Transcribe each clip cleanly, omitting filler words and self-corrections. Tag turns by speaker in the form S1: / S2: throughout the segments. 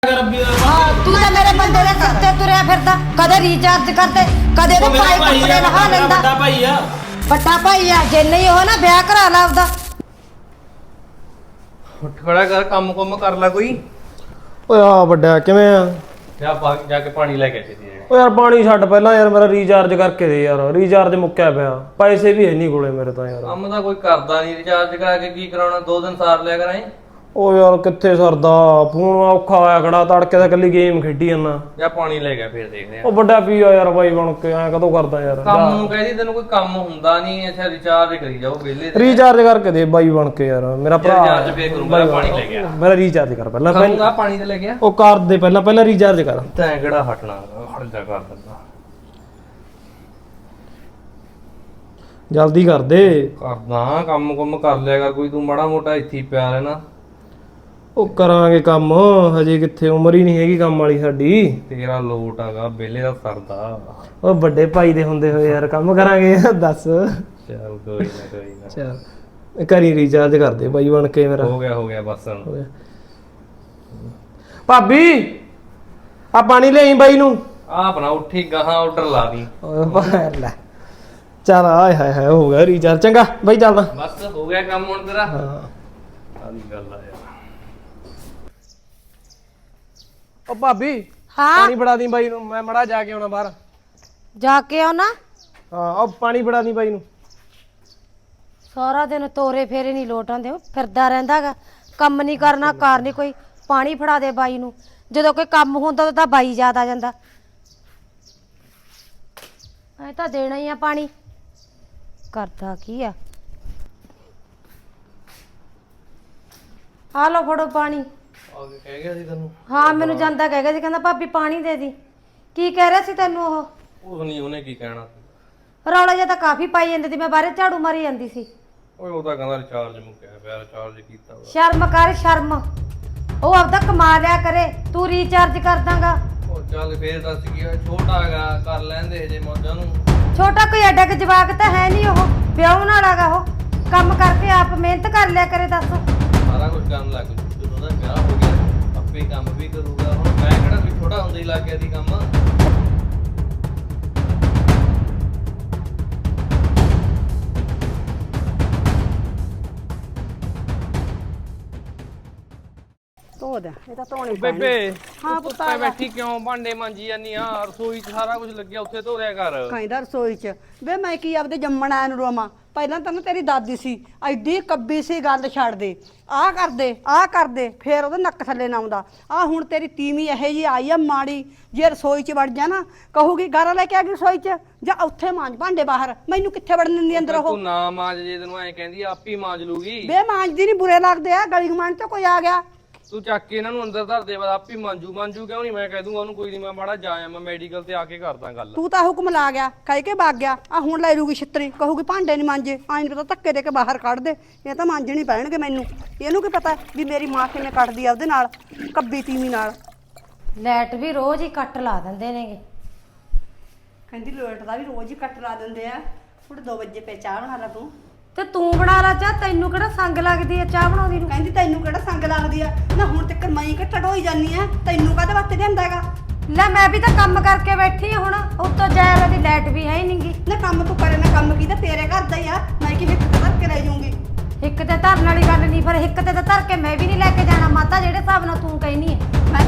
S1: ਤੂੰ ਤਾਂ ਮੇਰੇ ਬੰਦੇ ਦੇ ਸਿਰ ਤੇ ਤੁਰਿਆ ਫਿਰਦਾ, ਕਦੇ ਰੀਚਾਰਜ ਕਰਦੇ, ਕਦੇ ਤੇ ਭਾਈ ਕੱਪੜੇ ਲਹਾ ਲੈਂਦਾ।
S2: ਵੱਡਾ ਭਾਈ ਆ,
S1: ਵੱਡਾ ਭਾਈ ਆ, ਜੇ ਨਹੀਂ ਉਹ ਨਾ ਵਿਆਹ ਕਰਾ ਲਾ ਉਹਦਾ।
S3: ਉੱਠ ਖੜਾ ਕਰ, ਕੰਮ ਕੁੰਮ ਕਰ ਲੈ ਕੋਈ।
S2: ਓਏ ਆ ਵੱਡਾ ਕਿਵੇਂ ਆ?
S3: ਜਾ ਕੇ ਪਾਣੀ ਲੈ ਕੇ ਆਈ।
S2: ਓ ਯਾਰ ਪਾਣੀ ਛੱਡ ਪਹਿਲਾਂ ਯਾਰ, ਮੇਰਾ ਰੀਚਾਰਜ ਕਰਕੇ ਦੇ ਯਾਰ, ਰੀਚਾਰਜ ਮੁੱਕਿਆ ਪਿਆ, ਪੈਸੇ ਵੀ ਹੈ ਨਹੀਂ ਕੋਲੇ ਮੇਰੇ ਤਾਂ ਯਾਰ।
S3: ਕੰਮ ਤਾਂ ਕੋਈ ਕਰਦਾ ਨਹੀਂ, ਰਿਚਾਰਜ ਕਰਾ ਕੇ ਕੀ ਕਰਾਉਣਾ, 2 ਦਿਨ ਸਾਰ ਲਿਆ ਕਰਾਂ।
S2: ਓ ਯਾਰ ਕਿੱਥੇ ਸਰਦਾ, ਫੋਨ ਔਖਾ ਹੋਇਆ ਖੜਾ, ਤੜਕੇ ਦਾ ਕੱਲੀ ਗੇਮ ਖੇਡੀ ਜਾਂਦਾ।
S3: ਜਾਂ ਪਾਣੀ ਲੈ ਗਿਆ, ਫੇਰ ਦੇਖਦੇ ਆ।
S2: ਉਹ ਵੱਡਾ ਪੀ ਆ ਯਾਰ ਬਾਈ ਬਣ ਕੇ, ਐ ਕਦੋਂ ਕਰਦਾ ਯਾਰ।
S3: ਕੰਮ ਨੂੰ ਕਹਿੰਦੀ ਤੈਨੂੰ ਕੋਈ ਕੰਮ ਹੁੰਦਾ ਨਹੀਂ, ਅੱਛਾ ਰਿਚਾਰਜ ਕਰੀ ਜਾਓ ਵਿਹਲੇ।
S2: ਰੀਚਾਰਜ ਕਰਕੇ ਦੇ ਬਾਈ ਬਣ ਕੇ ਯਾਰ, ਮੇਰਾ ਭਰਾ
S3: ਰਿਚਾਰਜ ਫੇਰ ਕਰੂੰਗਾ, ਪਾਣੀ ਲੈ ਗਿਆ।
S2: ਮੇਰਾ ਰੀਚਾਰਜ ਕਰ ਪਹਿਲਾਂ,
S3: ਕਰੂੰਗਾ ਪਾਣੀ ਤੇ ਲੈ ਗਿਆ।
S2: ਉਹ ਕਰ ਦੇ ਪਹਿਲਾਂ ਰੀਚਾਰਜ ਕਰ।
S3: ਤੈਂ ਕਿਹੜਾ ਹਟਣਾ, ਹਟ ਜਾ ਕਰ ਦਿੰਦਾ।
S2: ਜਲਦੀ ਕਰ ਦੇ।
S3: ਕਰਦਾ ਕੰਮ ਕੁੰਮ ਕਰ ਲਿਆ ਕਰ ਕੋਈ, ਤੂੰ ਮਾੜਾ ਮੋਟਾ ਇੱਥੇ ਹੀ ਪਿਆ ਰਹਿਣਾ।
S2: ਉਹ ਕਰਾਂਗੇ ਕੰਮ, ਹਜੇ ਕਿੱਥੇ, ਉਮਰ ਹੀ ਨਹੀਂ ਹੈਗੀ ਕੰਮ ਵਾਲੀ ਸਾਡੀ।
S3: ਤੇਰਾ ਲੋਟ ਹੈਗਾ, ਵਿਹਲੇ ਦਾ ਸਰਦਾ।
S2: ਉਹ ਵੱਡੇ ਭਾਈ ਦੇ ਹੁੰਦੇ ਹੋਏ ਯਾਰ ਕੰਮ ਕਰਾਂਗੇ, ਦੱਸ।
S3: ਚੱਲ ਕੋਈ ਨਾ
S2: ਚੱਲ ਕਰੀ ਰੀਚਾਰਜ ਕਰ ਦੇ ਬਾਈ ਬਣ ਕੇ ਮੇਰਾ।
S3: ਹੋ ਗਿਆ ਬਸ ਹੁਣ।
S2: ਭਾਬੀ ਆ ਪਾਣੀ ਲਿਆਈ ਬਾਈ ਨੂੰ।
S3: ਆਪਣਾ ਉੱਠੀ ਗਾਹਾਂ ਆਰਡਰ ਲਾ ਦੀ।
S2: ਓਏ ਬਾਹਰ ਲੈ, ਚੱਲ ਆਏ ਹਾਏ ਹਾਏ ਹੋ ਗਿਆ ਰੀਚਾਰਜ। ਚੰਗਾ ਬਾਈ ਚੱਲਦਾ।
S3: ਬਸ ਹੋ ਗਿਆ ਕੰਮ ਹੁਣ ਤੇਰਾ।
S2: ਹਾਂ
S3: ਆਲੀ ਗੱਲ ਆ ਯਾਰ।
S2: ਉਹ ਭਾਬੀ
S1: ਹਾਂ
S2: ਪਾਣੀ ਬੜਾ ਦੀ ਬਾਈ ਨੂੰ, ਮੈਂ ਮੜਾ ਜਾ ਕੇ ਆਉਣਾ ਬਾਹਰ।
S1: ਜਾ ਕੇ ਆਉਣਾ।
S2: ਹਾਂ ਉਹ ਪਾਣੀ ਬੜਾ ਦੀ ਬਾਈ ਨੂੰ।
S1: ਸਾਰਾ ਦਿਨ ਤੋਰੇ ਫੇਰੇ ਨਹੀਂ ਲੋਟ ਆਉਂਦੇ, ਫਿਰਦਾ ਰਹਿੰਦਾਗਾ, ਕੰਮ ਨਹੀਂ ਕਰਨਾ, ਕਾਰ ਨਹੀਂ ਕੋਈ। ਪਾਣੀ ਫੜਾ ਦੇ ਬਾਈ ਨੂੰ, ਜਦੋਂ ਕੋਈ ਕੰਮ ਹੁੰਦਾ ਤਾਂ ਬਾਈ ਯਾਦ ਆ ਜਾਂਦਾ। ਐ ਤਾਂ ਦੇਣਾ ਹੀ ਆ ਪਾਣੀ, ਕਰਦਾ ਕੀ ਆ। ਆ ਲਓ ਫੜੋ ਪਾਣੀ।
S3: ਆਗੇ ਕਹਿ ਗਿਆ ਸੀ ਤੈਨੂੰ।
S1: ਹਾਂ ਮੈਨੂੰ ਜਾਂਦਾ ਕਹਿ ਗਿਆ ਸੀ, ਕਹਿੰਦਾ ਭਾਬੀ ਪਾਣੀ ਦੇ ਦੀ। ਕੀ ਕਹਿ ਰਿਹਾ ਸੀ ਤੈਨੂੰ ਉਹ?
S3: ਉਹ ਨਹੀਂ, ਉਹਨੇ ਕੀ ਕਹਿਣਾ।
S1: ਰੌਲਾ ਜਿਹਾ ਤਾਂ ਕਾਫੀ ਪਾਈ ਜਾਂਦੀ ਸੀ, ਮੈਂ ਬਾਹਰੇ ਝਾੜੂ ਮਾਰੀ ਜਾਂਦੀ ਸੀ।
S3: ਓਏ ਉਹ ਤਾਂ ਕਹਿੰਦਾ ਰਿਚਾਰਜ ਮੁੱਕਿਆ ਪਿਆ, ਰਿਚਾਰਜ ਕੀਤਾ ਵਾ।
S1: ਸ਼ਰਮ ਕਰ ਸ਼ਰਮ, ਉਹ ਆਪਦਾ ਕਮਾ ਲਿਆ ਕਰੇ, ਤੂੰ ਰੀਚਾਰਜ ਕਰ ਦਾਂਗਾ।
S3: ਉਹ ਚੱਲ ਫੇਰ ਦੱਸ ਕੀ ਹੋਇਆ, ਛੋਟਾ ਹੈਗਾ, ਕਰ ਲੈਂਦੇ ਹਜੇ ਮੌਜਾਂ ਨੂੰ।
S1: ਛੋਟਾ ਕੋਈ ਐਡਾ ਕਿ ਜਵਾਕ ਤਾਂ ਹੈ ਨਹੀਂ, ਉਹ ਵਿਆਹ ਨਾਲ ਹੈਗਾ, ਉਹ ਕੰਮ ਕਰਕੇ ਆਪ ਮਿਹਨਤ ਕਰ ਲਿਆ ਕਰੇ। ਦੱਸ
S3: ਸਾਰਾ ਕੁਝ ਕਰਨ ਲੱਗ ਜੂ, ਜਦੋਂ ਉਹਦਾ ਵਿਆਹ ਹੋ ਗਿਆ ਆਪੇ ਕੰਮ ਵੀ ਕਰੂਗਾ। ਹੁਣ ਮੈਂ ਕਿਹੜਾ ਵੀ ਛੋਟਾ ਹੁੰਦਾ ਹੀ ਲੱਗ ਗਿਆ ਸੀ ਕੰਮ।
S1: ਇਹ ਤਾਂ ਧੋਣੇ
S3: ਬੇਬੇ
S1: ਹਾਂ
S3: ਤੂੰ ਧੁੱਪੇ ਬੈਠੀ ਕਿਉਂ ਭਾਂਡੇ ਮਾਂਜੀ ਜਾਨੀ ਆ? ਰਸੋਈ 'ਚ ਸਾਰਾ ਕੁਝ ਲੱਗਿਆ, ਉੱਥੇ ਧੋ ਰਿਆ ਕਰ।
S4: ਕਹਿੰਦਾ ਰਸੋਈ 'ਚ ਵੇ ਮੈਂ ਕੀ ਆਪਦੇ ਜੰਮਣ ਆਇਆ ਨੂੰ ਰੋਵਾਂ। ਪਹਿਲਾਂ ਤਾਂ ਨਾ ਤੇਰੀ ਦਾਦੀ ਸੀ ਐਡੀ ਕੱਬੀ ਸੀ, ਗੱਲ ਛੱਡ ਦੇ, ਆਹ ਕਰਦੇ ਫੇਰ ਉਹਦੇ ਨੱਕ ਥੱਲੇ ਨਾ ਆਉਂਦਾ। ਆਹ ਹੁਣ ਤੇਰੀ ਤੀਵੀਂ ਇਹੋ ਜਿਹੀ ਆਈ ਆ ਮਾੜੀ, ਜੇ ਰਸੋਈ 'ਚ ਵੜ ਜਾ ਨਾ ਕਹੂਗੀ ਗਾਰਾ ਲੈ ਕੇ ਆ ਗਈ ਰਸੋਈ 'ਚ, ਜਾਂ ਉੱਥੇ ਮਾਂਜ ਭਾਂਡੇ ਬਾਹਰ, ਮੈਨੂੰ ਕਿੱਥੇ ਵੜਨ ਦਿੰਦੀ ਅੰਦਰ ਉਹ।
S3: ਤੂੰ ਨਾ ਮਾਂਜ, ਜੇ ਤੈਨੂੰ ਐ ਕਹਿੰਦੀ ਆਪ ਹੀ ਮਾਂਜ ਲੂਗੀ।
S4: ਵੇ ਮਾਂਜਦੀ ਨਹੀਂ, ਬੁਰੇ ਲੱਗਦੇ ਆ, ਗਲੀ ਗਮਾਨ 'ਚ ਕੋਈ ਆ ਗਿਆ।
S3: ਤੂੰ ਚੱਕ ਕੇ ਇਹਨਾਂ ਨੂੰ ਅੰਦਰ ਧਰ ਦੇ, ਬਾਅਦ ਆਪ ਹੀ ਮਾਂਜੂ ਕਿਉਂ ਨਹੀਂ? ਮੈਂ ਕਹਿ ਦੂੰਗਾ ਉਹਨੂੰ, ਕੋਈ ਨਹੀਂ, ਮੈਂ ਮਾੜਾ ਜਾ ਆਇਆ, ਮੈਂ ਮੈਡੀਕਲ ਤੇ ਆ ਕੇ ਕਰਦਾ ਗੱਲ।
S4: ਤੂੰ ਤਾਂ ਹੁਕਮ ਲਾ ਗਿਆ, ਕਹਿ ਕੇ ਵਗ ਗਿਆ। ਆ ਹੁਣ ਲੈ ਲੂਗੀ ਛਿੱਤਰੀ, ਕਹੂਗੀ ਭਾਂਡੇ ਨਹੀਂ ਮਾਂਜੇ, ਆਈ ਨਹੀਂ ਪਤਾ ਧੱਕੇ ਦੇ ਕੇ ਬਾਹਰ ਕੱਢ ਦੇ। ਇਹ ਤਾਂ ਮਾਂਜਣੇ ਪੈਣਗੇ ਮੈਨੂੰ। ਇਹਨੂੰ ਕੀ ਪਤਾ ਵੀ ਮੇਰੀ ਮਾਂ ਕਿਵੇਂ ਕੱਟਦੀ ਆ ਉਹਦੇ ਨਾਲ, ਕੱਬੀ ਤੀਵੀਂ ਨਾਲ।
S1: ਲਾਈਟ ਵੀ ਰੋਜ਼ ਹੀ ਕੱਟ ਲਾ ਦਿੰਦੇ ਨੇਗੇ।
S4: ਕਹਿੰਦੀ ਲੋਟ ਦਾ ਵੀ ਰੋਜ਼ ਹੀ ਕੱਟ ਲਾ ਦਿੰਦੇ ਆ। ਹੁਣ 2 ਵਜੇ ਪੈ ਚਾਹ ਬਣਾ ਲਾ ਤੂੰ।
S1: ਤੇ ਤੂੰ ਬਣਾ ਲਾ ਚਾਹ, ਤੈਨੂੰ ਕਿਹੜਾ ਸੰਗ ਲੱਗਦੀ ਆ ਚਾਹ ਬਣਾਉਂਦੀ ਨੂੰ?
S4: ਕਹਿੰਦੀ ਤੈਨੂੰ ਕਿਹੜਾ ਸੰਗ ਲੱਗਦੀ ਆ ਨਾ, ਹੁਣ ਤੱਕ ਮੈਂ ਹੀ ਘੱਟੜ ਹੋਈ ਜਾਨੀ ਆ, ਤੈਨੂੰ ਕਾਹਦੇ ਵਾਸਤੇ ਲਿਆਂਦਾ ਹੈਗਾ?
S1: ਲੈ ਮੈਂ ਵੀ ਤਾਂ ਕੰਮ ਕਰਕੇ ਬੈਠੀ ਆ, ਹੁਣ ਉੱਤੋਂ ਜਾਇਆ ਦੀ ਲਾਈਟ ਵੀ ਹੈ ਹੀ ਨਹੀਂਗੀ।
S4: ਨਾ ਕੰਮ ਤੂੰ ਕਰੇ ਨਾ, ਕੰਮ ਕੀ ਤਾਂ ਤੇਰੇ ਘਰ ਦਾ ਹੀ ਆ, ਮੈਂ ਕਿਵੇਂ ਧਰ ਕੇ ਲੈ ਜਾਊਂਗੀ?
S1: ਇੱਕ ਤੇ ਧਰਨ ਵਾਲੀ ਗੱਲ ਨਹੀਂ, ਪਰ ਇੱਕ ਤੇ ਤਾਂ ਧਰ ਕੇ ਮੈਂ ਵੀ ਨਹੀਂ ਲੈ ਕੇ ਜਾਣਾ ਮਾਤਾ, ਜਿਹੜੇ ਹਿਸਾਬ ਨਾਲ ਤੂੰ ਕਹਿਨੀ ਹੈ।
S4: ਮੈਂ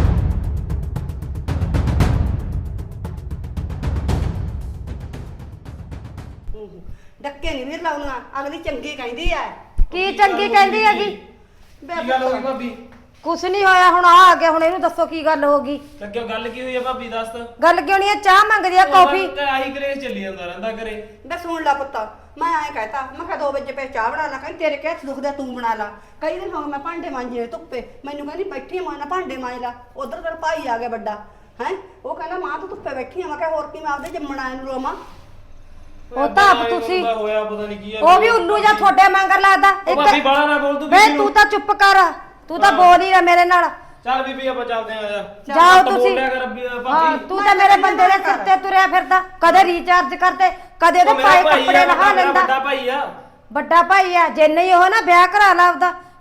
S4: ਡੱਕੇ ਨਹੀਂ ਵੀਰ ਲਾਉਣਾ, ਅਗਲੀ ਚੰਗੀ ਕਹਿੰਦੀ ਆ।
S1: ਕੀ ਚੰਗੀ ਕਹਿੰਦੀ ਹੈਗੀ?
S2: ਕੀ ਗੱਲ ਹੋ ਗਈ ਭਾਬੀ?
S1: ਕੁਛ ਨਹੀਂ ਹੋਇਆ, ਹੁਣ ਆ ਗਿਆ, ਹੁਣ ਇਹਨੂੰ ਦੱਸੋ ਕੀ ਗੱਲ ਹੋ ਗਈ?
S2: ਤਾਂ ਕਿਉਂ ਗੱਲ ਕੀ ਹੋਈ ਆ ਭਾਬੀ, ਦੱਸ।
S1: ਗੱਲ ਕਿਉਂ ਨਹੀਂ ਆ? ਚਾਹ ਮੰਗਦੀ ਆ, ਕੌਫੀ।
S2: ਆਹੀ ਕਰੇ ਚੱਲੀ ਜਾਂਦਾ ਰਹਿੰਦਾ ਘਰੇ।
S4: ਬੇ ਸੁਣ ਲਾ ਪੁੱਤ, ਮੈਂ ਐਂ ਕਹਿਤਾ, ਮੈਂ ਕਿਹਾ 2 ਵਜੇ ਪੈ ਚਾਹ ਬਣਾ ਲਾ। ਕਹਿੰਦੀ ਤੇਰੇ ਕਿਹੜਾ ਦੁਖਦਾ, ਤੂੰ ਬਣਾ ਲਾ। ਕਈ ਦਿਨ ਹੋ ਗਏ ਮੈਂ ਭਾਂਡੇ ਮਾਂਜੇ ਧੁੱਪੇ, ਮੈਨੂੰ ਕਹਿੰਦੀ ਬੈਠੀ ਮਾਂ ਨਾ ਭਾਂਡੇ ਮਾਂਜ ਲਾ। ਉਧਰ ਤੇਰਾ ਭਾਈ ਆ ਗਿਆ ਵੱਡਾ, ਹੈ ਉਹ ਕਹਿੰਦਾ ਮਾਂ ਤੂੰ ਧੁੱਪੇ ਬੈਠੀ ਆ। ਮੈਂ ਕਿਹਾ ਹੋਰ ਕੀ, ਮੈਂ ਆਪਦੇ ਜੰਮਣ ਆਏ ਨੂੰ ਰੋਵਾਂ।
S1: ਉਹ ਤਾਂ ਆਪ ਤੁਸੀਂ,
S2: ਹੋਇਆ ਪਤਾ ਨਹੀਂ ਕੀ ਆ।
S1: ਉਹ ਵੀ ਉੱਲੂ ਜਾਂ ਤੁਹਾਡੇ ਮੰਗਰ ਲੱਗਦਾ।
S2: ਭਾਬੀ ਬਾਲਾ ਨਾ ਬੋਲ ਤੂੰ
S1: ਵੇ ਤੂੰ ਤਾਂ ਚੁੱਪ ਕਰ, ਤੂੰ ਤਾਂ ਬੋਲ ਹੀ ਨਾ ਮੇਰੇ ਨਾਲ।
S2: ਚੱਲ ਬੀਬੀ ਆਪਾਂ ਚੱਲਦੇ ਆ ਜਾ।
S1: ਜਾਓ ਤੁਸੀਂ।
S2: ਬੋਲਿਆ ਕਰ
S1: ਹਾਂ
S2: ਭਾਬੀ।
S1: ਤੂੰ ਤਾਂ ਮੇਰੇ ਬੰਦੇ ਦੇ ਸਿਰ ਤੇ ਤੁਰਿਆ ਫਿਰਦਾ, ਕਦੇ ਰੀਚਾਰਜ ਕਰਦੇ, ਕਦੇ ਉਹਦੇ ਪਾਏ ਕੱਪੜੇ ਲਹਾ ਲੈਂਦਾ।
S2: ਵੱਡਾ ਭਾਈ ਆ।
S1: ਵੱਡਾ ਭਾਈ ਆ, ਜੇ ਨਹੀਂ ਉਹ ਨਾ ਵਿਆਹ ਕਰਾ ਲਾ ਉਹਦਾ,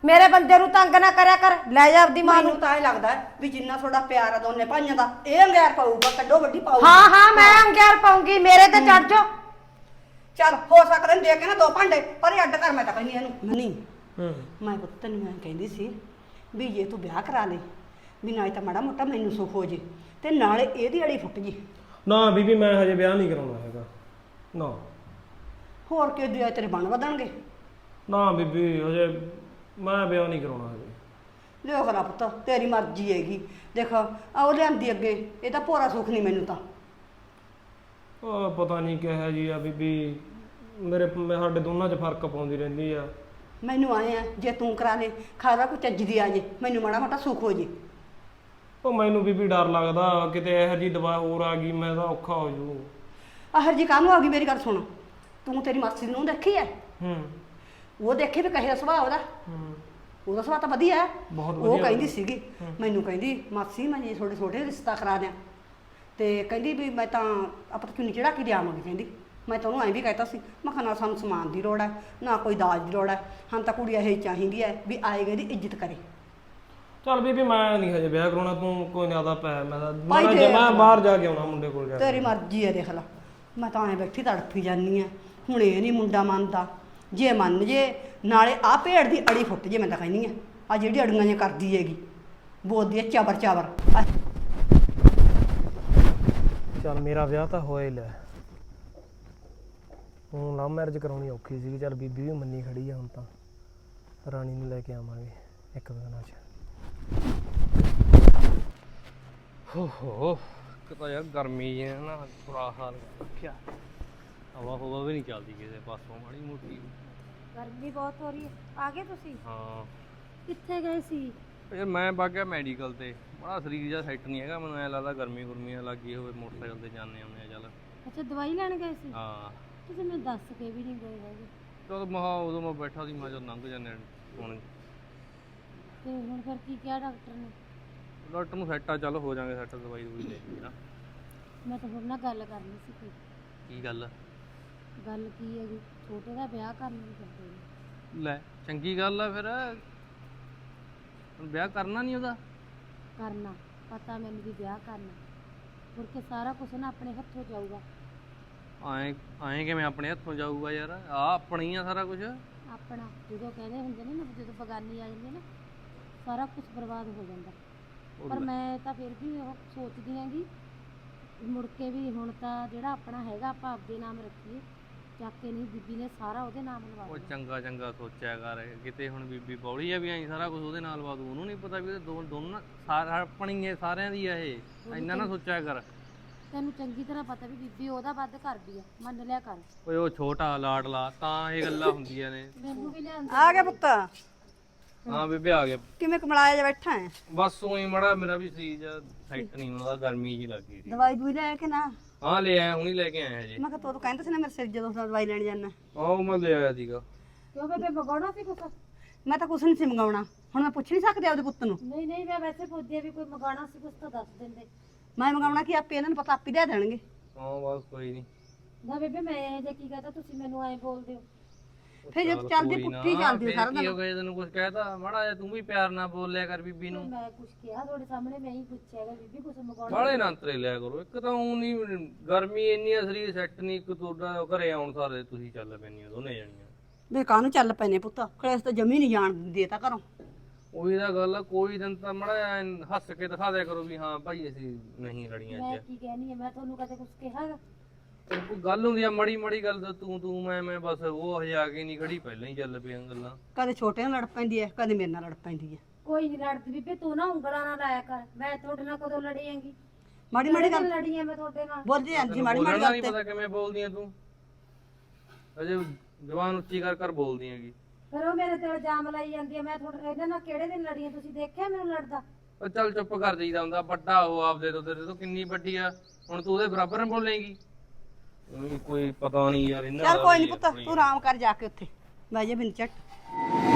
S1: ਮੇਰੇ ਬੰਦੇ ਨੂੰ ਤੰਗ ਨਾ ਕਰਿਆ ਕਰ, ਲੈ ਜਾ ਆਪਦੀ ਮਾਂ ਨੂੰ।
S4: ਮੈਨੂੰ ਤਾਂ ਇਹ ਲੱਗਦਾ ਹੈ ਵੀ ਜਿੰਨਾ ਤੁਹਾਡਾ ਪਿਆਰ ਆ ਦੋਨੇ ਭਾਈਆਂ ਦਾ, ਇਹ ਅੰਗਿਆਰ ਪਾਊਗਾ, ਕੱਢੋ ਵੱਡੀ ਪਾਊਗਾ।
S1: ਹਾਂ ਹਾਂ ਮੈਂ ਅੰਗਿਆਰ ਪਾਉਂਗੀ, ਮੇਰੇ ਤੇ ਚੜ ਜਾ।
S4: ਚੱਲ ਹੋ ਸਕਦਾ ਦੇ ਕੇ ਨਾ 2 ਭਾਂਡੇ, ਪਰ ਇਹ ਅੱਡ ਕਰ, ਮੈਂ ਤਾਂ ਕਹਿੰਦੀ ਇਹਨੂੰ ਨਹੀਂ। ਮੈਂ ਪੁੱਤ ਤੈਨੂੰ ਮੈਂ ਕਹਿੰਦੀ ਸੀ ਵੀ ਜੇ ਤੂੰ ਵਿਆਹ ਕਰਾ ਲੈ, ਵੀ ਨਾ ਤਾਂ ਮਾੜਾ ਮੋਟਾ ਮੈਨੂੰ ਸੁੱਖ ਹੋ ਜੇ ਤੇ ਨਾਲੇ ਇਹਦੀ ਅੜੀ ਫੁੱਟ ਜੀ।
S2: ਨਾ ਬੀਬੀ ਮੈਂ ਹਜੇ ਵਿਆਹ ਨਹੀਂ ਕਰਾਉਣਾ ਹੈਗਾ ਨਾ।
S4: ਹੋਰ ਕਿ ਦਿਆ ਤੇਰੇ ਬਣ ਵਧਣਗੇ।
S2: ਨਾ ਬੀਬੀ ਹਜੇ ਮੈਂ ਵਿਆਹ ਨਹੀਂ ਕਰਾਉਣਾ ਹਜੇ।
S4: ਲਿਓ ਕਰਾ ਪੁੱਤ, ਤੇਰੀ ਮਰਜ਼ੀ ਹੈਗੀ। ਦੇਖ ਆ ਉਹ ਲਿਆਂਦੀ ਅੱਗੇ, ਇਹ ਤਾਂ ਭੋਰਾ ਸੁੱਖ ਨਹੀਂ ਮੈਨੂੰ ਤਾਂ।
S2: ਉਹ ਪਤਾ ਨਹੀਂ ਕਿਹੋ ਜੀ ਆ ਬੀਬੀ, ਸਾਡੇ ਦੋਨਾਂ 'ਚ ਫਰਕ ਪਾਉਂਦੀ ਰਹਿੰਦੀ ਆ।
S4: ਮੈਨੂੰ ਆਏ ਆ ਜੇ ਤੂੰ ਕਰਾ ਲੈ ਖਾਰਾ ਕੋਈ ਚੱਜ ਦੀ ਆ ਜੇ, ਮੈਨੂੰ ਮਾੜਾ ਮੋਟਾ ਸੁੱਖ ਹੋ ਜੇ।
S2: ਉਹ ਮੈਨੂੰ ਬੀਬੀ ਡਰ ਲੱਗਦਾ ਕਿਤੇ ਇਹੋ ਜੀ ਦਵਾ ਹੋਰ ਆ ਗਈ, ਮੈਂ ਤਾਂ ਔਖਾ ਹੋ ਜੂ।
S4: ਆਹਰ ਜੀ ਕਾਹਨੂੰ ਆ ਗਈ? ਮੇਰੀ ਗੱਲ ਸੁਣ, ਤੂੰ ਤੇਰੀ ਮਾਸੀ ਨੂੰ ਦੇਖੀ ਐ? ਉਹ ਦੇਖੇ ਵੀ ਕਹੇ ਦਾ ਸੁਭਾਅ ਉਹਦਾ। ਉਹਦਾ ਸੁਭਾਅ ਤਾਂ ਵਧੀਆ ਹੈ,
S2: ਬਹੁਤ
S4: ਉਹ
S2: ਵਧੀਆ।
S4: ਕਹਿੰਦੀ ਸੀਗੀ ਮੈਨੂੰ, ਕਹਿੰਦੀ ਮਾਸੀ ਮੈਂ ਜੀ ਛੋਟੇ ਛੋਟੇ ਰਿਸ਼ਤਾ ਕਰਾ ਦਿਆਂ, ਤੇ ਕਹਿੰਦੀ ਵੀ ਮੈਂ ਤਾਂ ਆਪਾਂ ਤਾਂ ਚੁੰਨੀ ਚੜਾ ਕੇ ਦਿਆਵਾਂਗੀ। ਕਹਿੰਦੀ ਮੈਂ ਤਾਂ ਉਹਨੂੰ ਐਂ ਵੀ ਕਹਿਤਾ ਸੀ, ਮੈਂ ਕਿਹਾ ਨਾ ਸਾਨੂੰ ਸਮਾਨ ਦੀ ਲੋੜ ਹੈ ਨਾ ਕੋਈ ਦਾਜ ਦੀ ਲੋੜ ਹੈ, ਹਾਂ ਤਾਂ ਕੁੜੀ ਇਹ ਚਾਹੀਦੀ ਹੈ ਵੀ ਆਏਗਾ ਦੀ ਇੱਜ਼ਤ ਕਰੇ।
S2: ਚੱਲ ਬੀਬੀ ਮੈਂ ਨਹੀਂ ਹਜੇ ਵਿਆਹ ਕਰਾਉਣਾ, ਤੂੰ ਕੋਈ ਜ਼ਿਆਦਾ ਪੈ ਮੈਂ
S4: ਭਾਈ ਦੇ
S2: ਬਾਹਰ ਜਾ ਕੇ ਆਉਣਾ ਮੁੰਡੇ ਕੋਲ ਜਾ ਕੇ।
S4: ਤੇਰੀ ਮਰਜ਼ੀ ਹੈ, ਦੇਖ ਲਾ ਮੈਂ ਤਾਂ ਐਂ ਬੈਠੀ ਤੜਫੀ ਜਾਂਦੀ ਆ। ਹੁਣ ਇਹ ਨਹੀਂ ਮੁੰਡਾ ਮੰਨਦਾ, ਜੇ ਮੰਨ ਜੇ ਨਾਲੇ ਆਹ ਭੇੜ ਦੀ ਅੜੀ ਫੁੱਟ ਜੇ। ਮੈਂ ਤਾਂ ਕਹਿੰਦੀ ਆ ਆ ਜਿਹੜੀ ਅੜੀਆਂ ਜੇ ਕਰਦੀ ਹੈਗੀ, ਬੋਲਦੀ ਹੈ ਚਾਬਰ ਚਾਬਰ।
S2: ਚੱਲ ਮੇਰਾ ਵਿਆਹ ਤਾਂ ਹੋਇਆ ਹੀ ਲੈ, ਹੁਣ ਲਵ ਮੈਰਿਜ ਕਰਾਉਣੀ ਔਖੀ ਸੀਗੀ। ਚੱਲ ਬੀਬੀ ਵੀ ਮੰਨੀ ਖੜੀ ਆ, ਹੁਣ ਤਾਂ ਰਾਣੀ ਨੂੰ ਲੈ ਕੇ ਆਵਾਂਗੇ ਇੱਕ ਦਿਨਾਂ 'ਚ।
S3: ਹੋ ਕਿਤਾ ਯਾਰ ਗਰਮੀ ਹੈ ਨਾ, ਬੁਰਾ ਹਾਲ ਰੱਖਿਆ। ਹਵਾ ਹਵਾ ਵੀ ਨਹੀਂ ਚੱਲਦੀ ਕਿਸੇ ਪਾਸੋਂ, ਮਾੜੀ ਮੋਟੀ।
S1: ਗਰਮੀ ਬਹੁਤ ਹੋ ਰਹੀ ਹੈ। ਆ ਗਏ ਤੁਸੀਂ?
S3: ਹਾਂ
S1: ਕਿੱਥੇ ਗਏ ਸੀ?
S3: ਯਾਰ ਮੈਂ ਵਗ ਗਿਆ ਮੈਡੀਕਲ ਤੇ, ਬੜਾ ਸਰੀਰ ਜਿਹਾ ਸੈੱਟ ਨਹੀਂ ਹੈਗਾ, ਮੈਨੂੰ ਐਂ ਲੱਗਦਾ ਗਰਮੀ ਗੁਰਮੀਆਂ ਲੱਗੀ ਹੋਵੇ। ਮੋਟਰਸਾਈਕਲ ਤੇ ਜਾਂਦੇ ਆਉਂਦੇ ਆ। ਚੱਲ
S1: ਅੱਛਾ ਦਵਾਈ ਲੈਣ ਗਏ ਸੀ?
S3: ਹਾਂ
S1: ਤੁਸੀਂ ਮੈਨੂੰ ਦੱਸ ਕੇ ਵੀ ਨਹੀਂ ਗਏ ਹੈਗੇ।
S3: ਚਲ ਮਹਾ ਉਦੋਂ ਮੈਂ ਬੈਠਾ ਸੀ, ਮੈਂ ਜਦ ਲੰਘ ਜਾਂਦੇ ਹੁਣ।
S1: ਤੇ ਹੁਣ ਫਿਰ ਕੀ ਕਿਹਾ ਡਾਕਟਰ ਨੇ?
S3: ਡਾਕਟਰ ਨੂੰ ਸੈੱਟ ਆ, ਚੱਲ ਹੋ ਜਾਾਂਗੇ ਸੈੱਟ, ਦਵਾਈ ਦਵਾਈ ਲੈ ਕੇ ਨਾ।
S1: ਮੈਂ ਤਾਂ ਹੁਣ ਨਾ ਗੱਲ ਕਰਨੀ ਸੀ ਕੋਈ।
S3: ਕੀ ਗੱਲ?
S1: ਗੱਲ ਕੀ ਹੈਗੀ, ਛੋਟੇ ਦਾ ਵਿਆਹ ਕਰਨ ਨੂੰ ਕਰਦੇ ਨੇ।
S3: ਲੈ ਚੰਗੀ ਗੱਲ ਆ ਫਿਰ, ਹੁਣ ਵਿਆਹ ਕਰਨਾ ਨਹੀਂ ਉਹਦਾ?
S1: ਕਰਨਾ ਪਤਾ ਮੈਨੂੰ ਵੀ ਵਿਆਹ ਕਰਨਾ, ਮੁੜ ਕੇ ਸਾਰਾ ਕੁਝ ਨਾ ਆਪਣੇ ਹੱਥੋਂ ਜਾਊਗਾ।
S3: ਐਂ ਕਿਵੇਂ ਆਪਣੇ ਹੱਥੋਂ ਜਾਊਗਾ ਯਾਰ, ਆ ਆਪਣੀ ਆ ਸਾਰਾ ਕੁਝ।
S1: ਆਪਣਾ ਜਦੋਂ ਕਹਿੰਦੇ ਹੁੰਦੇ ਨੇ ਨਾ, ਜਦੋਂ ਬਗਾਨੀ ਆ ਜਾਂਦੀ ਹੈ ਨਾ, ਸਾਰਾ ਕੁਝ ਬਰਬਾਦ ਹੋ ਜਾਂਦਾ। ਪਰ ਮੈਂ ਤਾਂ ਫਿਰ ਵੀ ਉਹ ਸੋਚਦੀ ਆਂਗੀ ਮੁੜ ਕੇ ਵੀ ਹੁਣ ਤਾਂ ਜਿਹੜਾ ਆਪਣਾ ਹੈਗਾ ਆਪਾਂ ਆਪਦੇ ਨਾਮ ਰੱਖੀਏ, ਚੱਕ ਕੇ ਨਹੀਂ ਬੀਬੀ ਨੇ ਸਾਰਾ ਉਹਦੇ ਨਾਮ ਲਵਾ
S3: ਉਹ
S1: ਦਿੱਤਾ।
S3: ਚੰਗਾ ਚੰਗਾ ਸੋਚਿਆ ਕਰ, ਕਿਤੇ ਹੁਣ ਬੀਬੀ ਬੌਲੀ ਆ ਵੀ ਐਂ ਸਾਰਾ ਕੁਝ ਉਹਦੇ ਨਾਲ ਲਵਾ ਦੂ। ਉਹਨੂੰ ਨਹੀਂ ਪਤਾ ਵੀ ਉਹਦੇ ਦੋਨਾਂ ਸਾਰਾ ਆਪਣੀ ਹੈ, ਸਾਰਿਆਂ ਦੀ ਆ ਇਹ। ਇੰਨਾ ਨਾ ਸੋਚਿਆ ਕਰ।
S1: ਤੈਨੂੰ ਚੰਗੀ ਤਰ੍ਹਾਂ ਪਤਾ ਵੀ ਬੀਬੀ ਉਹਦਾ ਵੱਧ ਕਰਦੀ ਆ, ਮੰਨ ਲਿਆ ਕਰ।
S3: ਓਏ ਉਹ ਛੋਟਾ ਲਾਡਲਾ ਤਾਂ ਇਹ ਗੱਲਾਂ ਹੁੰਦੀਆਂ ਨੇ।
S1: ਮੈਨੂੰ ਵੀ ਲਿਆਂਦੇ।
S4: ਆ ਗਿਆ ਪੁੱਤ,
S3: ਹਾਂ ਬੇਬੇ ਆ ਗਿਆ।
S4: ਕਿਵੇਂ ਕਮਲਾਇਆ ਜਾ ਬੈਠਾ ਹੈ?
S3: ਬਸ ਉਹੀ ਮੜਾ ਮੇਰਾ ਵੀ ਸੀ ਜਾਂ ਸੈੱਟ ਨਹੀਂ ਹੁੰਦਾ, ਗਰਮੀ ਜੀ ਲੱਗੀ ਸੀ।
S4: ਦਵਾਈ ਦੂਈ ਲੈ ਕੇ ਨਾ?
S3: ਹਾਂ ਲੈ ਆਇਆ, ਹੁਣੀ ਲੈ ਕੇ ਆਇਆ ਹਜੇ।
S4: ਮੈਂ ਕਿਹਾ ਤੂੰ ਕਹਿੰਦਾ ਸੀ ਨਾ ਮੇਰੇ ਸਿਰ ਜਦੋਂ ਦਵਾਈ ਲੈਣ ਜਾਣਾ।
S3: ਆਹ ਮੈਂ ਲੈ ਆਇਆ ਸੀਗਾ।
S1: ਕਿਉਂ ਬੇਬੇ ਮਗਾਉਣਾ ਸੀ ਕੁਛ?
S4: ਮੈਂ ਤਾਂ ਕੁਛ ਨਹੀਂ ਸੀ ਮੰਗਾਉਣਾ, ਹੁਣ ਮੈਂ ਪੁੱਛ ਨਹੀਂ ਸਕਦੀ ਆਪਦੇ ਪੁੱਤ ਨੂੰ?
S1: ਨਹੀਂ ਨਹੀਂ ਮੈਂ ਵੈਸੇ ਪੁੱਛਦੀ ਆ ਵੀ ਕੋਈ ਮਗਾਉਣਾ ਸੀ ਕੁਛ ਤਾਂ ਦੱਸ ਦਿੰਦੇ।
S4: ਮੈਂ ਮੰਗਾਉਣਾ ਕੀ, ਆਪੇ ਇਹਨਾਂ ਨੂੰ ਪਤਾ, ਆਪੇ ਦੇ ਦੇਣਗੇ।
S3: ਹਾਂ ਬਸ ਕੋਈ ਨਹੀਂ।
S1: ਨਾ ਬੇਬੇ ਮੈਂ ਇਹ ਜੇ ਕੀ ਕਹਤਾ, ਤੁਸੀਂ ਮੈਨੂੰ ਐਂ ਬੋਲਦੇ ਹੋ।
S4: ਫਿਰ ਜੇ ਚੱਲਦੀ ਪੁੱਠੀ ਚੱਲਦੀ ਸਾਰਾ ਦਿਨ।
S3: ਹੋ ਗਿਆ ਤੈਨੂੰ ਕੁਝ ਕਹਿਤਾ ਮਾੜਾ ਜਿਹਾ, ਤੂੰ ਵੀ ਪਿਆਰ ਨਾਲ ਬੋਲਿਆ ਕਰ ਬੀਬੀ ਨੂੰ।
S1: ਮੈਂ ਕੁਛ ਕਿਹਾ ਤੁਹਾਡੇ ਸਾਹਮਣੇ, ਮੈਂ ਹੀ ਪੁੱਛਿਆਗਾ ਬੀਬੀ ਕੁਛ ਮਗਾਉਣਾ?
S3: ਬਾਲੇ ਨਾ ਅੰਤਰੇ ਲਿਆ ਕਰੋ। ਇੱਕ ਤਾਂ ਉਹ ਨਹੀਂ ਗਰਮੀ ਇੰਨੀ ਆ, ਸਰੀਰ ਸੈੱਟ ਨਹੀਂ। ਇੱਕ ਤੁਹਾਡਾ ਘਰੇ ਆਉਣ ਸਾਰੇ ਤੁਸੀਂ ਚੱਲ ਪੈਣੀਆਂ ਦੋਨੇ ਜਾਣੀਆਂ।
S4: ਵੇ ਕਾਹਨੂੰ ਚੱਲ ਪੈਨੇ ਪੁੱਤ, ਕਲੇਸ਼ ਤਾਂ ਜਮੀ ਨਹੀਂ ਜਾਣ ਦਿੰਦੇ ਤਾਂ ਘਰੋਂ।
S3: ਉਹੀ ਤਾਂ ਗੱਲ ਆ, ਕੋਈ ਦਿਨ ਤਾਂ ਮਾੜਾ ਹੱਸ ਕੇ ਦਿਖਾ ਦਿਆ ਕਰੋ ਵੀ ਹਾਂ ਭਾਈ ਅਸੀਂ ਨਹੀਂ ਲੜੀਆਂ
S1: ਮੈਂ
S3: ਅੱਜ।
S1: ਕੀ ਕਹਿਣੀ ਹੈ, ਮੈਂ ਤੁਹਾਨੂੰ ਕਦੇ ਕੁਛ ਕਿਹਾਗਾ?
S3: ਕੋਈ ਗੱਲ ਹੁੰਦੀ ਆ ਮਾੜੀ ਮਾੜੀ ਗੱਲ ਤਾਂ ਤੂੰ ਮੈਂ ਬਸ ਉਹ ਹਜੇ ਆ ਕੇ ਨਹੀਂ ਖੜੀ, ਪਹਿਲਾਂ ਹੀ ਚੱਲ ਪਈਆਂ ਗੱਲਾਂ।
S4: ਕਦੇ ਛੋਟੇ ਨਾਲ ਲੜ ਪੈਂਦੀ ਹੈ, ਕਦੇ ਮੇਰੇ ਨਾਲ ਲੜ ਪੈਂਦੀ ਹੈ।
S1: ਕੋਈ ਨਹੀਂ ਲੜਦੀ ਬੀਬੇ, ਤੂੰ ਨਾ ਉਂਗਲਾਂ ਨਾ ਲਾਇਆ ਕਰ। ਮੈਂ ਤੁਹਾਡੇ ਨਾਲ ਕਦੋਂ ਲੜੀ ਆਂਗੀ?
S4: ਮਾੜੀ ਮਾੜੀ ਗੱਲ
S1: ਲੜੀ ਆ ਮੈਂ ਤੁਹਾਡੇ ਨਾਲ?
S4: ਬੋਲਦੀ ਜਾਂਦੀ ਮਾੜੀ ਮਾੜੀ
S3: ਬੋਲਣਾ
S4: ਗੱਲ
S3: ਨਹੀਂ
S4: ਤੇ।
S3: ਪਤਾ ਕਿਵੇਂ ਬੋਲਦੀ ਆ ਤੂੰ, ਅਜੇ ਜ਼ਬਾਨ ਉੱਚੀ ਕਰ ਬੋਲਦੀ ਹੈਗੀ।
S1: ਫਿਰ ਉਹ ਮੇਰੇ ਤੇ ਇਲਜ਼ਾਮ ਲਾਈ ਜਾਂਦੀ ਆ। ਮੈਂ ਤੁਹਾਡੇ ਇਹਨਾਂ ਨਾਲ ਕਿਹੜੇ ਦਿਨ ਲੜੀ ਆ? ਤੁਸੀਂ ਦੇਖਿਆ ਮੈਨੂੰ ਲੜਦਾ?
S3: ਉਹ ਚੱਲ ਚੁੱਪ ਕਰ ਜਾਈਦਾ ਹੁੰਦਾ, ਵੱਡਾ ਉਹ ਆਪਦੇ ਤੋਂ, ਤੇਰੇ ਤੋਂ ਕਿੰਨੀ ਵੱਡੀ ਆ, ਹੁਣ ਤੂੰ ਉਹਦੇ ਬਰਾਬਰ ਨਾ ਬੋਲੇਂਗੀ। ਕੋਈ ਪਤਾ ਨਹੀਂ ਯਾਰ ਇਹਨਾਂ
S4: ਚੱਲ
S3: ਦਾ
S4: ਕੋਈ
S3: ਵੀ
S4: ਨਹੀਂ ਪੁੱਤ, ਤੂੰ ਆਰਾਮ ਕਰ ਜਾ ਕੇ ਉੱਥੇ ਬਹਿ ਜਾ ਬਿੰਦ ਝੱਟ।